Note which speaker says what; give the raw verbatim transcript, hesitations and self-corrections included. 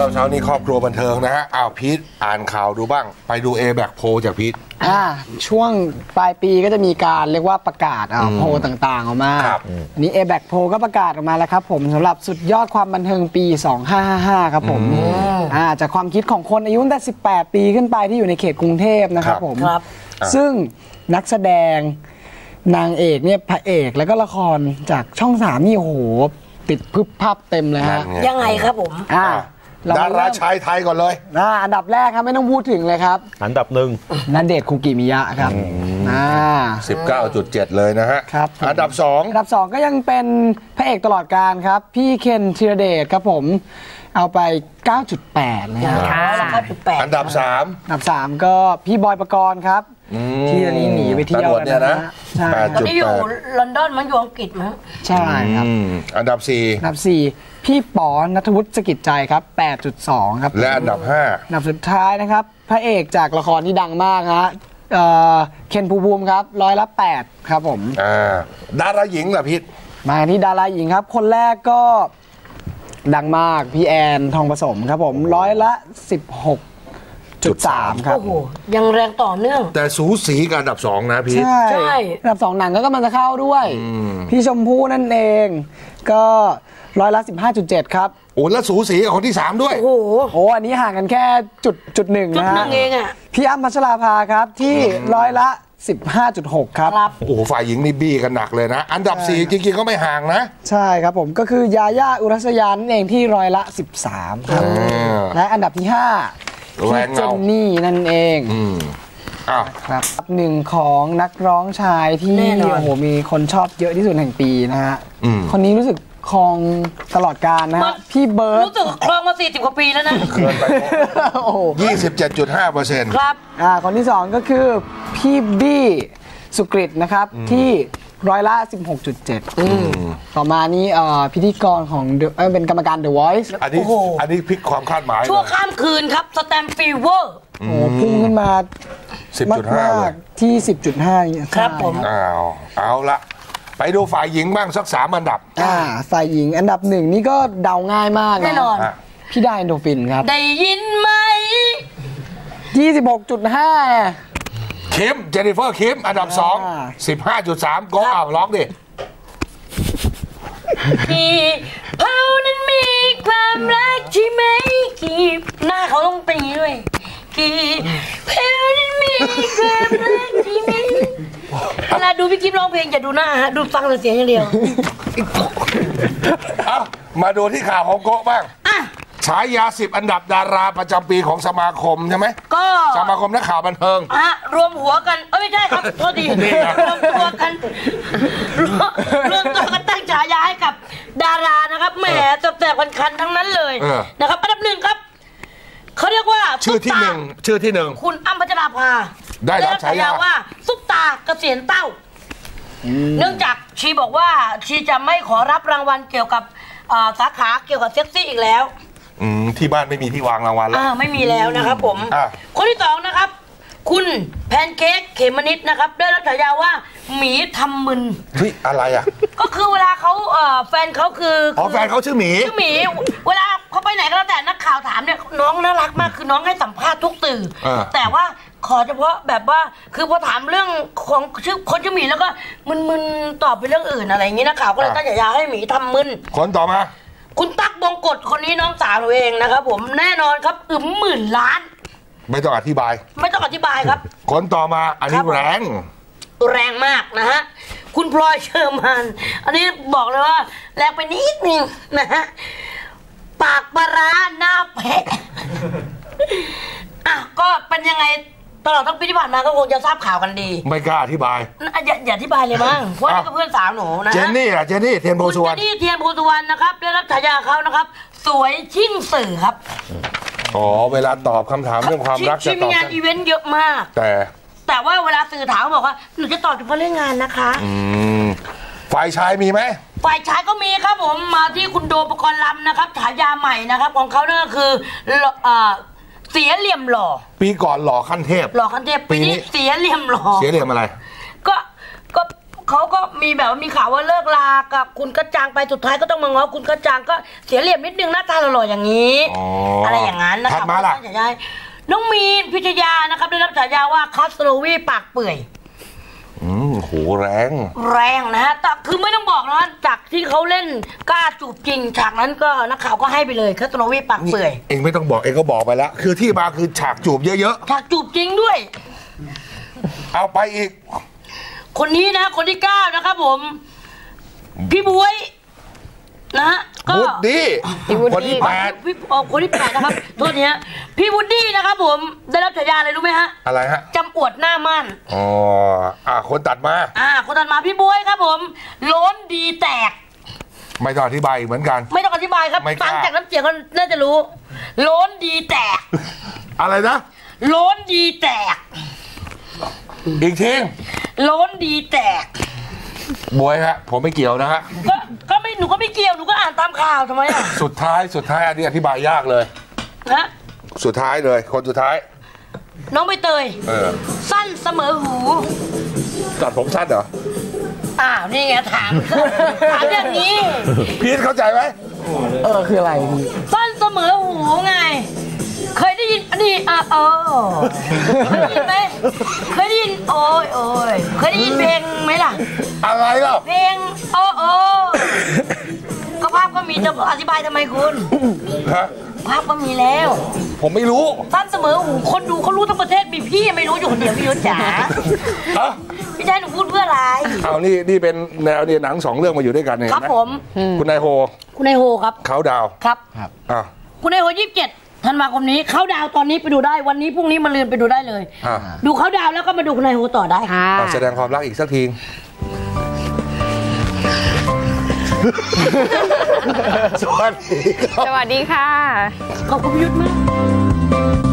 Speaker 1: เช้านี้ครอบครัวบันเทิงนะฮะอ้าวพีทอ่านข่าวดูบ้างไปดู เอ แบค โพลจากพีท
Speaker 2: อ่าช่วงปลายปีก็จะมีการเรียกว่าประกาศอ่าโพลต่างๆออกมาอันนี้ เอ แบค โพลก็ประกาศออกมาแล้วครับผมสำหรับสุดยอดความบันเทิงปีสองพันห้าร้อยห้าสิบห้าครับผมอ่าจากความคิดของคนอายุตั้งแต่สิบแปดปีขึ้นไปที่อยู่ในเขตกรุงเทพนะครับผมซึ่งนักแสดงนางเอกเนี่ยพระเอกแล้วก็ละครจากช่องสามนี่โอ้โหติดพึบพับเต็มเลยฮะ
Speaker 3: ยังไงครับผม
Speaker 2: อ่า
Speaker 1: ดาราชายไทยก่อนเลย
Speaker 2: อ่าอันดับแรกครับไม่ต้องพูดถึงเลยครับ
Speaker 4: อันดับหนึ่ง
Speaker 2: ณเดชน์ คุกิมิยะครับอ่า
Speaker 1: สิบเก้าจุดเจ็ด เลยนะฮะ
Speaker 2: ครับ
Speaker 1: อันดับสอง
Speaker 2: อันดับสองก็ยังเป็นพระเอกตลอดกาลครับพี่เคนธีรเดชครับผมเอาไป เก้าจุดแปด นะครับ
Speaker 1: อันดับสาม
Speaker 2: อันดับสามก็พี่บอยปกรณ์ครับที่ตอนนี้หนีไปเที่ยว
Speaker 1: เนี่ยนะ
Speaker 2: ใช่
Speaker 3: ตอนนี้อยู่ลอนดอนมันอยู่อังกฤษมั้ง
Speaker 2: ใช่ครับ
Speaker 1: อันดับสี่
Speaker 2: อันดับสี่พี่ป๋อณัฐวุฒิสกิจใจครับ แปดจุดสอง ครับ
Speaker 1: และอันดับห้า
Speaker 2: อันดับสุดท้ายนะครับพระเอกจากละครที่ดังมากฮะเคนภูมิภูมิครับร้อยละแปดครับผม
Speaker 1: อ่าดาราหญิงล่ะพี่
Speaker 2: มาที่ดาราหญิงครับคนแรกก็ดังมากพี่แอนทองผสมครับผมร้อยละสิบหกจุดสามครับ
Speaker 3: โอ้โหยังแรงต่อเนื่อง
Speaker 1: แต่สูสีกับอันดับสองนะพี่
Speaker 2: ใช่อันดับสองหนังก็กำลังจะเข้าด้วยพี่ชมพู่นั่นเองก็ร้อยละสิบห้าจุดเจ็ดครับ
Speaker 1: โอ้แล้วสูสีกับคนที่สามด้วย
Speaker 2: โอ้โหโอ้อันนี้ห่างกันแค่จุดจุดหนึ่งนะฮะ
Speaker 3: จุดหนึ่งเองอ่ะ
Speaker 2: พี่อ้ำพัชราภาครับที่ร้อยละสิบห้าจุดหก ครับ
Speaker 1: โอ้โหฝ่ายหญิงนี่บี้กันหนักเลยนะอันดับสี่จริงๆก็ไม่ห่างนะ
Speaker 2: ใช่ครับผมก็คือยาย่าอุรัสยานั่นเองที่ร้อยละสิบสามครับและอันดับที่ห้าพี่เจนนี่นั่นเอง
Speaker 1: อ้าว
Speaker 2: ครับหนึ่งของนักร้องชายที่โอ้โหมีคนชอบเยอะที่สุดแห่งปีนะฮะคนนี้รู้สึกครองตลอดกาลนะฮะพี่เบิร์ด
Speaker 3: รู้สึกครองมาสี่สิบกว่าปีแล้วนะ
Speaker 1: เกินไปโอ้ยี่สิบเจ็ดจุดห้าเปอร์เซ็นต์
Speaker 3: ครับ
Speaker 2: อ่าคนที่สองก็คือพี่บี้สุกฤตนะครับที่ร้อยละ สิบหกจุดเจ็ด ต่อมานี้พิธีกรของเป็นกรรมการ The Voice
Speaker 1: อันนี้อันนี้พลิกความคาดหมาย
Speaker 3: ชั่วข้ามคืนครับสแตมฟีเวอร์
Speaker 2: โอ้พุ่งขึ้นมา
Speaker 1: สิบจุดห้า
Speaker 2: ที่ สิบจุดห้า
Speaker 3: ครับผม
Speaker 1: อ้าวเอาละไปดูฝ่ายหญิงบ้างสักสามอันดับ
Speaker 2: อ่าฝ่ายหญิงอันดับหนึ่งนี่ก็เดาง่ายมาก
Speaker 3: แน่นอน
Speaker 2: พี่ได้เอนโดฟินครับ
Speaker 3: ได้ยินไหม
Speaker 2: ยี่สิบหกจุดห้า
Speaker 1: คิมเจนนิเฟอร์คิมอันดับสอง สิบห้าจุดสาม ก็เอาร้องดิ
Speaker 3: กี่เผานั้นมีความรักใช่ไหมกี่หน้าเขาต้องเป็นอย่างนี้ด้วยกี่เผานั้นมีความรักใช่ไหมเวลาดูพี่กิ๊ฟร้องเพลงอย่าดูหน้าฮะดูฟังแต่เสียงอย่างเดียว
Speaker 1: เอามาดูที่ข่าวของโกะบ้างฉายาสิบอันดับดาราประจำปีของสมาคมใช่ไหม
Speaker 3: ก็
Speaker 1: สมาคมนักข่าวบันเทิง
Speaker 3: อ่ะรวมหัวกันเอ้ยไม่ใช่ครับโทษทีรวมตัวกันรวมตัวกันตั้งฉายาให้กับดารานะครับแหมจับแจกวันคันทั้งนั้นเลยนะครับอันดับหนึ่งครับเขาเรียกว่า
Speaker 1: ชื่อที่หนึ่งชื่อที่หนึ่ง
Speaker 3: คุณอ้ำพัชราภา
Speaker 1: ได้รับฉายา
Speaker 3: ว่าซุปตาเกษียณเต้าเนื่องจากชีบอกว่าชีจะไม่ขอรับรางวัลเกี่ยวกับสาขาเกี่ยวกับเซ็กซี่อีกแล้ว
Speaker 1: ที่บ้านไม่มีที่วางรางวัลแล้ว
Speaker 3: ไม่มีแล้วนะครับผมคนที่สองนะครับคุณแพนเค้กเขมนิดนะครับได้รับฉายาว่าหมีทำมึน
Speaker 1: เฮ้ยอะไรอ่ะ
Speaker 3: ก็คือเวลาเขาแฟนเขาคือ
Speaker 1: อ๋อแฟนเขาชื่อหมี
Speaker 3: ชื่อหมีเวลาเขาไปไหนก็แล้วแต่นักข่าวถามเนี่ยน้องน่ารักมากคือน้องให้สัมภาษณ์ทุกสื่อแต่ว่าขอเฉพาะแบบว่าคือพอถามเรื่องของชื่อคนชื่อหมีแล้วก็มึนๆตอบไปเรื่องอื่นอะไรอย่างนี้นักข่าวก็เลยตั้งฉายาให้หมีทำมึน
Speaker 1: คนต่อมา
Speaker 3: คุณตั๊กบงกฎคนนี้น้องสาวหนูเองนะครับผมแน่นอนครับอึมหมื่นล้าน
Speaker 1: ไม่ต้องอธิบาย
Speaker 3: ไม่ต้องอธิบายครับ
Speaker 1: คนต่อมาอันนี้แรง
Speaker 3: แรงมากนะฮะคุณพลอยเชอร์มานอันนี้บอกเลยว่าแรงไปนิดนึงนะฮะปากปลาร้าหน้าแพะอ่ะก็เป็นยังไงตลอดทั้งปีที่ผ่านมาก็คงจะทราบข่าวกันดี
Speaker 1: ไม่กล้าอธิบาย
Speaker 3: อย่าอย่าอธิบายเลยมั้งเพราะนี่ก็เพื่อนสาวหนูนะ
Speaker 1: เจนนี่อะเจนนี่เทียนโพสุวรรณ
Speaker 3: เจนนี่เทียนโพสุวรรณนะครับได้รับฉายาเขานะครับสวยชิ่งสื่อครับ
Speaker 1: อ๋อเวลาตอบคำถามเรื่องความรักจะตอบ
Speaker 3: มีงานอีเวนต์เยอะมาก
Speaker 1: แต่
Speaker 3: แต่ว่าเวลาสื่อถามบอกว่าหนูจะตอบเฉพาะเรื่องงานนะคะ
Speaker 1: อืมฝ่ายชายมีไหม
Speaker 3: ฝ่ายชายก็มีครับผมมาที่คุณโดมปกรณ์ลำนะครับฉายาใหม่นะครับของเขาเนี่ยก็คือเสียเหลี่ยมหล่อ
Speaker 1: ปีก่อนหล่อขั้นเทพ
Speaker 3: หล่อขั้นเทพปีนี้เสียเหลี่ยมหล่อ
Speaker 1: เสียเหลี่ยมอะไร
Speaker 3: ก็ก็เขาก็มีแบบว่ามีข่าวว่าเลิกลากับคุณกระจังไปสุดท้ายก็ต้องมาง้อคุณกระจังก็เสียเหลี่ยมนิดนึงหน้าตาหล่อๆอย่างนี้
Speaker 1: อ๋ออ
Speaker 3: อะไรอย่างนั้นนะคะ
Speaker 1: ถัดมาล่ะ
Speaker 3: ฉายาน้องมีนพิชยานะครับได้รับฉายาว่าคัสโลวีปากเปื่อย
Speaker 1: อืมโหแรง
Speaker 3: แรงนะฮะแต่คือไม่ต้องบอกนะจากที่เขาเล่นกล้าจูบจริงฉากนั้นก็นักข่าวก็ให้ไปเลยคัสโลวีปากเปื่อย
Speaker 1: เองไม่ต้องบอกเองก็บอกไปแล้ว คือที่มาคือฉากจูบเยอะ
Speaker 3: ฉากจูบจริงด้วย
Speaker 1: ๆ เอาไปอีก
Speaker 3: คนนี้นะคนที่เก้านะครับผม พี่บวยนะฮะก็
Speaker 1: วูดดี้คนที่แปด
Speaker 3: พี่อ๋อคนที่แปดนะครับโทษทีฮะพี่วูดดี้นะครับผมได้รับฉายาอะไรรู้ไหมฮะ
Speaker 1: อะไรฮะ
Speaker 3: จำอวดหน้ามั่น
Speaker 1: อ๋ออ่าคนตัดมา
Speaker 3: อ่าคนถัดมาพี่บวยครับผมโล้นดีแตก
Speaker 1: ไม่ต้องอธิบายอีกเหมือนกัน
Speaker 3: ไม่ต้องอธิบายครับ
Speaker 1: ไม่กล้า
Speaker 3: ฟังจากน้ำเสียงก็น่าจะรู้โล้นดีแตก
Speaker 1: อะไรนะ
Speaker 3: โล้นดีแตก
Speaker 1: อีกที
Speaker 3: โล้นดีแตก
Speaker 1: บวยฮะ ผมไม่เกี่ยวนะฮะ
Speaker 3: ก็ก็ไม่หนูก็ไม่เกี่ยวหนูก็อ่านตามข่าวทำไมอ่ะ
Speaker 1: สุดท้ายสุดท้ายอันนี้อธิบายยากเลย
Speaker 3: นะ
Speaker 1: สุดท้ายเลย คนสุดท้าย
Speaker 3: น้องใบเตย
Speaker 1: เออ
Speaker 3: สั้นเสมอหู
Speaker 1: ตัดผมสั้นเหรอ
Speaker 3: อ้าวนี่ไงถามถามอย่างนี้
Speaker 1: พีทเข้าใจไหม
Speaker 2: เออคืออะไรพี่
Speaker 3: สั้นเสมอหูไง เคยได้ยินอันนี้อ่ะเออเคยได้ยินไหมเคยได้ยินโอ้ยโอ้ยเคยได้ยินเพลงไหมล่ะ
Speaker 1: อะไรเล่า
Speaker 3: เพลงโอ้โอ้ก็ภาพก็มีจะอธิบายทำไมคุณ
Speaker 1: ฮะ
Speaker 3: ภาพก็มีแล้ว
Speaker 1: ผมไม่รู้
Speaker 3: สั้นเสมอหูคนดูเขารู้ทั้งประเทศมีพี่ไม่รู้อยู่คนเดียวพี่ยุทธจ๋า
Speaker 1: เอ้า
Speaker 3: พี่ชายหนูพูดเพื่ออะไร
Speaker 1: เอานี่นี่เป็นแนวเนี่ยหนังสองเรื่องมาอยู่ด้วยกันเนี่ย
Speaker 3: ครับ
Speaker 1: เห็นไห
Speaker 3: ผม
Speaker 1: คุณนายโฮ
Speaker 3: คุณนายโฮครับ
Speaker 1: เขาดาว
Speaker 3: ครับ
Speaker 1: อ่ะ
Speaker 3: คุณนายโฮยี่สิบเจ็ดธันวาคมนี้เขาดาวตอนนี้ไปดูได้วันนี้พรุ่งนี้มาลืนไปดูได้เลย
Speaker 1: อ่ะ
Speaker 3: ดูเขาดาวแล้วก็มาดูคุณนายโฮต่อได้
Speaker 2: ค่ะ
Speaker 1: เอาแสดงความรักอีกสักที สวัสดีครับ
Speaker 4: สวัสดีค่ะ
Speaker 3: ขอบคุณพี่ยุทธมาก